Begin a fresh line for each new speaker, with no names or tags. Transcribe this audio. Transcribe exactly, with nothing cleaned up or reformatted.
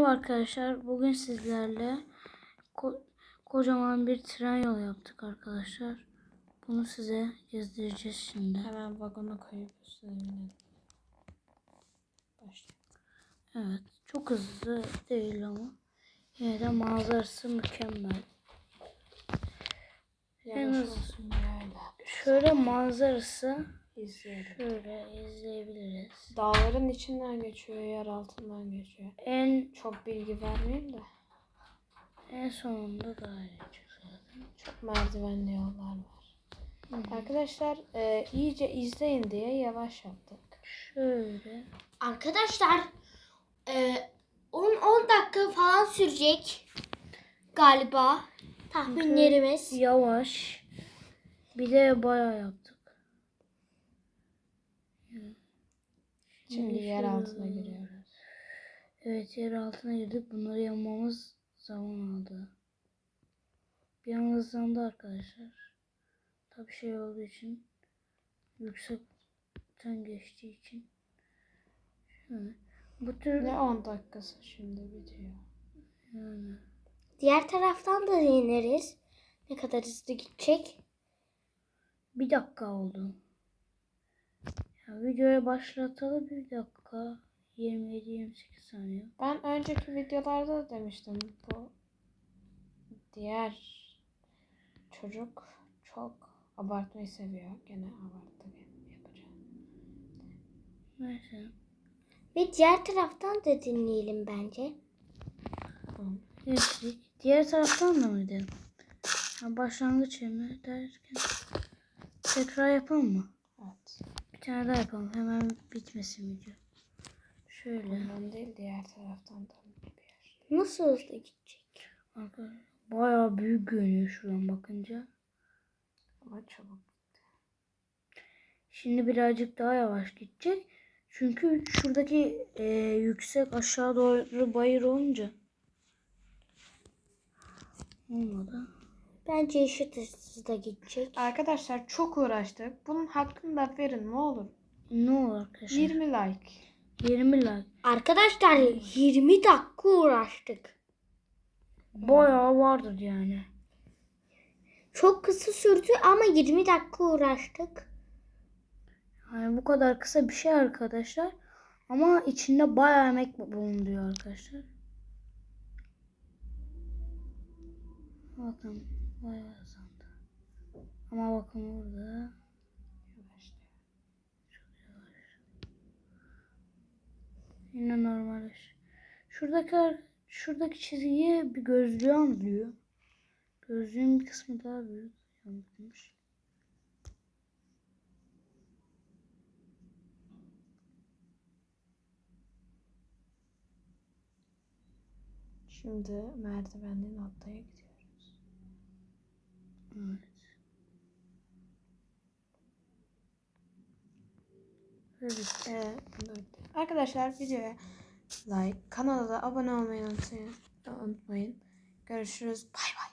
Merhaba arkadaşlar. Bugün sizlerle ko kocaman bir tren yolu yaptık arkadaşlar. Bunu size gezdireceğiz şimdi.
Hemen vagona koyup üstüne binelim. Başla.
Evet. Çok hızlı değil ama yine de manzarası mükemmel. En az şöyle manzarası
İzleyelim.
şöyle izleyebiliriz.
Dağların içinden geçiyor, yer altından geçiyor.
En
Çok bilgi vermeyeyim de.
en sonunda daha iyi zaten.
Çok merdivenli yollar var.
Hı hı.
Arkadaşlar e, iyice izleyin diye yavaş yaptık.
Şöyle.
Arkadaşlar on on dakika falan sürecek galiba tahminlerimiz.
Yavaş. Bir de bayağı yaptık.
Şimdi yer altına giriyoruz.
Evet, yer altına girdik. Bunları yapmamız zaman aldı. Bir an hızlandı arkadaşlar. Tabii şey olduğu için, yüksekten geçtiği için. Şöyle. Bu tür
Ne on dakikası şimdi bitiyor.
yani.
Diğer taraftan da deneriz. Ne kadar hızlı gidecek.
Bir dakika oldu. Ya, videoya başlatalım bir dakika. yirmi yedi yirmi sekiz saniye.
Ben önceki videolarda da demiştim, bu diğer çocuk çok abartmayı seviyor. Gene abarttı, yapacağım.
Neyse.
Ve diğer taraftan da dinleyelim bence.
Tamam.
Geçtik. Diğer taraftan da mıydı? Ha, başlangıç yerine derken tekrar yapalım mı?
Evet.
Bir tane daha yapalım. Hemen bitmesin video. Şöyle.
Ondan değil, diğer taraftan da bir yer.
Nasıl hızlı gidecek?
Arkadaşlar bayağı büyük görünüyor şuradan bakınca.
Ama çabuk.
Şimdi birazcık daha yavaş gidecek. Çünkü şuradaki e, yüksek aşağı doğru bayır olunca olmadı.
Bence eşit hızda gidecek.
Arkadaşlar çok uğraştık. Bunun hakkını da verin ne olur.
Ne olur arkadaşlar?
yirmi like.
yirmi like.
Arkadaşlar yirmi dakika uğraştık.
Bayağı vardır yani.
Çok kısa sürdü ama yirmi dakika uğraştık.
Yani bu kadar kısa bir şey arkadaşlar. Ama içinde bayağı emek bulunuyor arkadaşlar. Bakın bayağı hızlandı. Ama bakın burada çok yavaş. Yine normal. Şuradaki şuradaki çizgiye bir gözlüğü andırıyor. Gözlüğün bir kısmı daha büyük. Yanlış.
Şimdi merdivenli noktaya gidiyoruz.
Evet. Evet.
Ee, Arkadaşlar videoya like, kanala da abone olmayı unutmayın. unutmayın. Görüşürüz. Bay bay.